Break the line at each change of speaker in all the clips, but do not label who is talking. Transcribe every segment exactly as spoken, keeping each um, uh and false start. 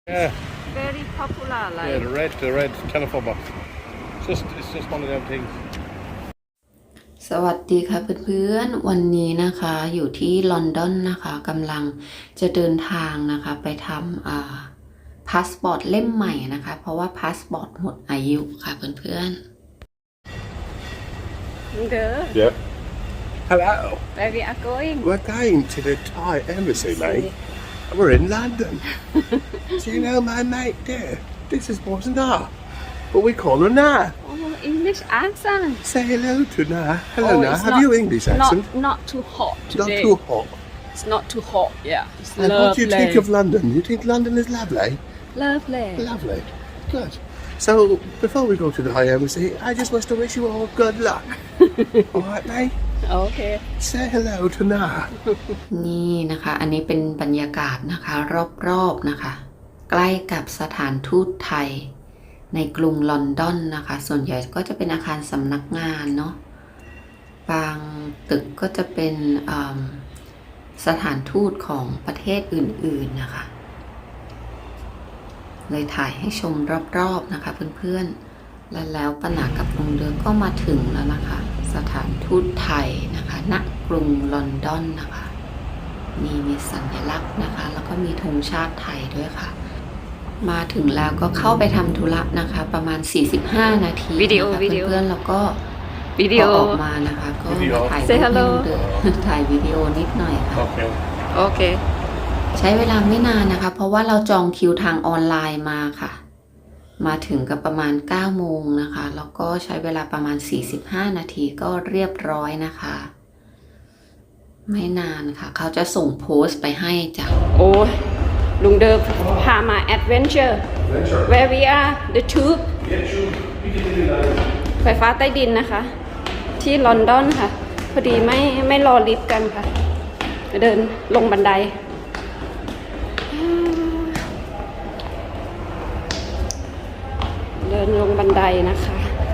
Yeah,
very popular
yeah,
like
the red, the red telephone box. It's just, it's just one of them things.
สวัสดีค่ะเพื่อนๆวันนี้นะคะอยู่ที่ลอนดอนนะคะกำลังจะเดินทางนะคะไปทำอ่าพาสปอร์ตเล่มใหม่นะคะเพราะว่าพาสปอร์ตหมดอายุค่ะเพื่อน
Good.
Yep. Hello.
Where we are going?
We're going to the Thai embassy, mate. We're in London. Do you know my mate there? This is wasn't her, but we call her Na.
Oh, English accent.
Say hello to Na. Hello,
Oh,
Na.
it's
Have
not-
you English accent?
Not not too hot
Not
today.
too hot.
It's not too hot. Yeah. It's
And what do you think
lovely.
of London? You think London is lovely?
Lovely.
Lovely. Good. So, before we go to the Thai embassy, I just want to wish you all good luck. All right, mate?
Okay.
Say hello to Na.
ๆนี่นะคะอันนี้เป็นบรรยากาศนะคะรอบๆนะคะใกล้กับสถานทูตไทยในกรุงลอนดอนนะคะส่วนใหญ่ก็จะเป็นอาคารสำนักงานเนาะบางตึกก็จะเป็นอ่าสถานทูตของประเทศอื่นๆนะคะเลยถ่ายให้ชมรอบๆนะคะเพื่อนๆและแล้วปานากับลุงเดือก็มาถึงแล้วนะคะสถานทูตไทยนะคะณกรุงลอนดอนนะคะนี่มีสัญลักษณ์นะคะแล้วก็มีธงชาติไทยด้วยค่ะมาถึงแล้วก็เข้าไปทำธุระนะคะประมาณสี่สิบห้านาที
วิดีโอ
นะคะ
วิดีโอ
เพื่อนๆแล้วก็
Video
พอออกมานะคะก็
วิดีโอ
มาถ่าย
Say
รูปให้
hello
ลุงเดือ ถ่ายวิดีโอนิดหน่อยค่ะ
Okay.
Okay.
ใช้เวลาไม่นานนะคะ เพราะว่าเราจองคิวทางออนไลน์มาค่ะ มาถึงกับประมาณเก้าโมงนะคะ แล้วก็ใช้เวลาประมาณสี่สิบห้านาทีก็เรียบร้อยนะคะ ไม่นานค่ะ เขาจะส่งโพสต์ไปให้จ้ะ
โอ้ยลุงเดิมพามา adventure where we are the tube ไฟฟ้าใต้ดินนะคะ ที่ลอนดอนค่ะ พอดีไม่ไม่รอลิฟต์กันค่ะ เดินลงบันได เดินลงบันไดนะคะ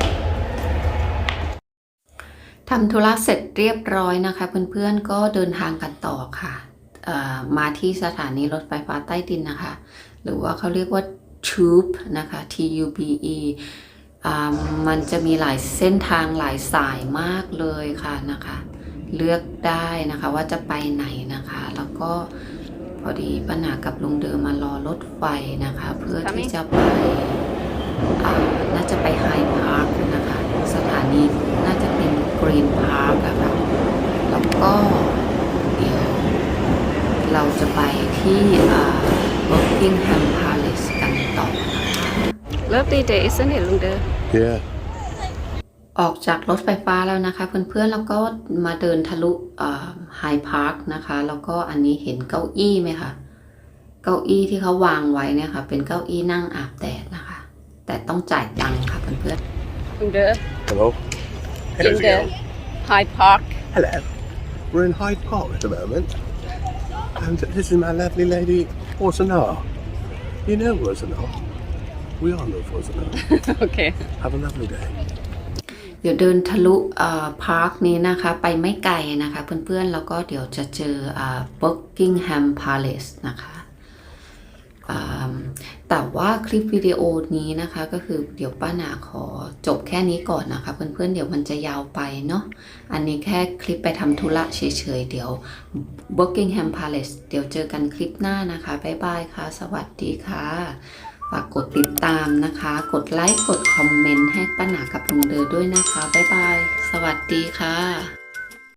ทำธุระเสร็จเรียบร้อยนะคะเพื่อนๆก็เดินทางกันต่อค่ะเอ่อมาที่สถานีรถไฟฟ้าใต้ดินนะคะ หรือว่าเขาเรียกว่า Tube นะคะ T U B E อ่ามันจะมีหลายเส้นทางหลายสายมากเลยค่ะนะคะ เลือกได้นะคะว่าจะไปไหนนะคะ แล้วก็พอดีป้าหนากับลุงเดิมมารอรถไฟนะคะ เพื่อที่จะไปอ่าน่าจะไปไฮพาร์คนะคะ สถานีน่าจะเป็นกรีนพาร์คอะค่ะแล้วก็เดี๋ยวเราจะไปที่อ่า Buckingham Palace กันต่อนะคะ
Lovely day isn't it ลุงเดิม
Yeah.
ออกจากรถไฟฟ้าแล้วนะคะเพื่อนๆแล้วก็มาเดินทะลุไฮพาร์คนะคะแล้วก็อันนี้เห็นเก้าอี้ไหมคะเก้าอี้ที่เขาวางไว้เนี่ยค่ะเป็นเก้าอี้นั่งอาบแดดนะคะแต่ต้องจ่ายตังค์ค่ะเพื่อน
ลุงเดิม
Hello.
in
How's it
the
going?
Hyde Park
Hello. We're in Hyde Park at the moment. And this is my lovely lady, Rosanna. You know Rosanna? We all know Rosanna.
โอเค
Have a lovely day.
ๆเดี๋ยวเดินทะลุพาร์คนี้นะคะไปไม่ไกลนะคะเพื่อนๆแล้วก็เดี๋ยวจะเจอ Buckingham Palace นะคะแต่ว่าคลิปวิดีโอนี้นะคะก็คือเดี๋ยวป้าหนาขอจบแค่นี้ก่อนนะคะเพื่อนๆเดี๋ยวมันจะยาวไปเนาะอันนี้แค่คลิปไปทำธุระเฉยๆเดี๋ยว Buckingham Palace เดี๋ยวเจอกันคลิปหน้านะคะบ๊ายบายค่ะสวัสดีค่ะฝากกดติดตามนะคะกดไลค์กดคอมเมนต์ให้ป้าหนากับลุงเดอด้วยนะคะบ๊ายบายสวัสดีค่ะ